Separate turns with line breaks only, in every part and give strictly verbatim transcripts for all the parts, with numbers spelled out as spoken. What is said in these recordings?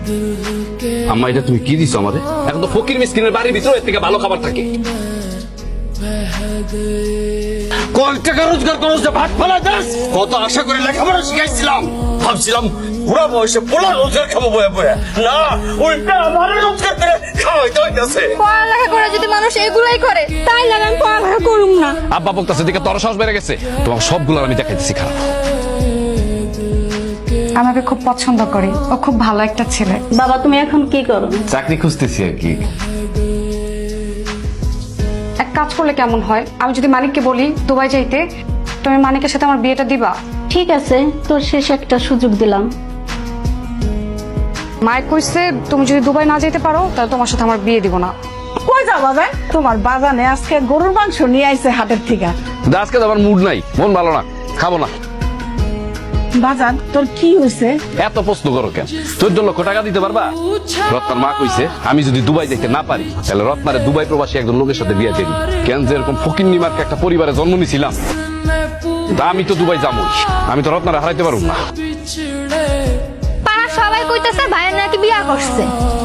আম্মা এটা তুমি কি দিছো আমাদের? এখন তো ফকির মিসকিনের বাড়ির ভিতরে এর থেকে ভালো খাবার থাকে। কয় টাকা রোজগার করো যে ভাত ফেলা দাস? কত আশা করে লেখাপড়া শিখাইছিলাম, ভাবছিলাম বুড়া বয়সে পোলা রোজগার খাবো বয়ে বয়ে, না উল্টা আমার রোজগার করে খাওয়াইতে হইতেছে।
পড়ালেখা করে যদি মানুষ এগুলাই করে তাই লাগে আমি পড়ালেখা করুম না।
আব্বা বকতাছে দিকে তোর সাহস বেড়ে গেছে, তোমার সবগুলো আমি দেখাইতেছি খারাপ।
আমাকে খুব পছন্দ করে, ও খুব ভালো একটা ছেলে।
বাবা তুমি এখন কি করো?
চাকরি খুঁজতেছি আর কি।
এক কাজ করলে কেমন হয়, আমি যদি মানিককে বলি দুবাই যাইতে, তুমি মানিকের সাথে আমার বিয়েটা দিবা?
ঠিক আছে, তোর শেষ একটা সুযোগ দিলাম।
মাইক কইছে তুমি যদি দুবাই না যেতে পারো তাহলে তোমার সাথে আমার বিয়ে দিব না।
কই যাবা যায়? তোমার বাজানে আজকে গরুর মাংস নিয়ে আইছে হাটের থেকে।
আজকে তো আমার মুড নাই, মন ভালো না, খাবো না।
বাজান তোর কি হয়েছে?
এত প্রশ্ন করো কেন? চোদ্দ লক্ষ টাকা দিতে পারবা? রত্নার মা কইছে আমি যদি দুবাই যেতে না পারি তাহলে রত্নারে দুবাই প্রবাসী একজন লোকের সাথে বিয়ে দিই। কেন যে এরকম ফকিন্নি মার্কে একটা পরিবারে জন্ম নিছিলাম, তা আমি তো দুবাই যাবো, আমি তো রত্নারে হারাইতে পারবো না।
পাড়া সবাই কইতাছে ভাইয়ের নাকি বিয়া করছে।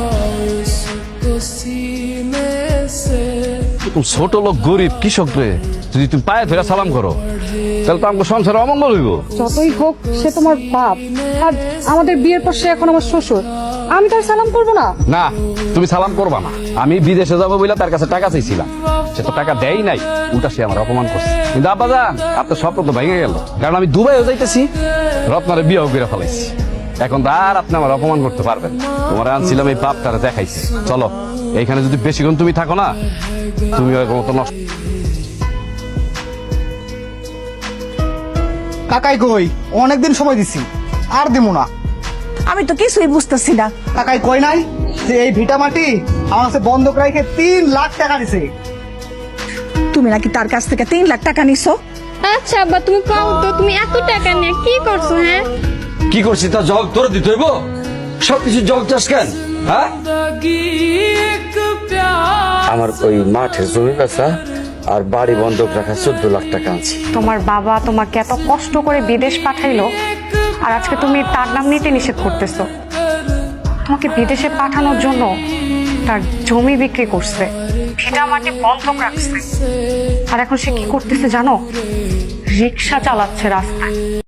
এরকম ছোট লোক গরিব কৃষক রে যদি তুমি পায়ে ধরে সালাম করো তাহলে তো আমাকে সংসারে অমঙ্গল হইব।
যতই হোক সে তোমার বাপ, আর আমাদের বিয়ের পর সে এখন আমার শ্বশুর, আমি তার সালাম করবো না?
না তুমি সালাম করবা না। আমি বিদেশে যাবো বলে তার কাছে টাকা চাইছিলাম, সে তো টাকা দেয় নাই, উল্টা সে আমার অপমান করছে। কিন্তু আব্বা যান আপনার স্বপ্ন তো ভেঙে গেল, কারণ আমি দুবাইও যাইতেছি, রত্নারে বিয়েও করে ফেলাইছি। এখন তো আর আপনি আমার অপমান করতে পারবেন না। তোমার আনছিলাম এই পাপটারে দেখাইছি। চলো এইখানে যদি বেশিক্ষণ তুমি থাকো না তুমি মতো নষ্ট।
কাকাই কই? অনেকদিন সময় দিছি, আর দিমু না।
আমি তো কিছুই বুঝতেছি না।
কাকাই কই নাই যে এই ভিটা মাটি আমার কাছে বন্ধক রাখে তিন লাখ টাকা দিছে।
তুমি নাকি তার কাছ থেকে তিন লাখ টাকা নিছো?
আচ্ছা আব্বা তুমি কও তো তুমি এত টাকা নিয়ে কি করছো? হ্যাঁ
কি করছিস তা জবাব তোর দিতে হইব? সবকিছু জবাব চাস কেন? হ্যাঁ, আমার ওই মাঠের জমি বেচা আর বাড়ি বন্ধক রাখা চোদ্দ লাখ টাকা আনছি।
তোমার বাবা তোমাকে এত কষ্ট করে বিদেশ পাঠাইলো, আর আজকে তুমি তার নাম নিতে নিষেধ করতেছো। তোমাকে বিদেশে পাঠানোর জন্য তার জমি বিক্রি করছে, ভিটা মাটি বন্ধক রাখছে, আর এখন সে কি করতেছে জানো? রিক্সা চালাচ্ছে রাস্তায়।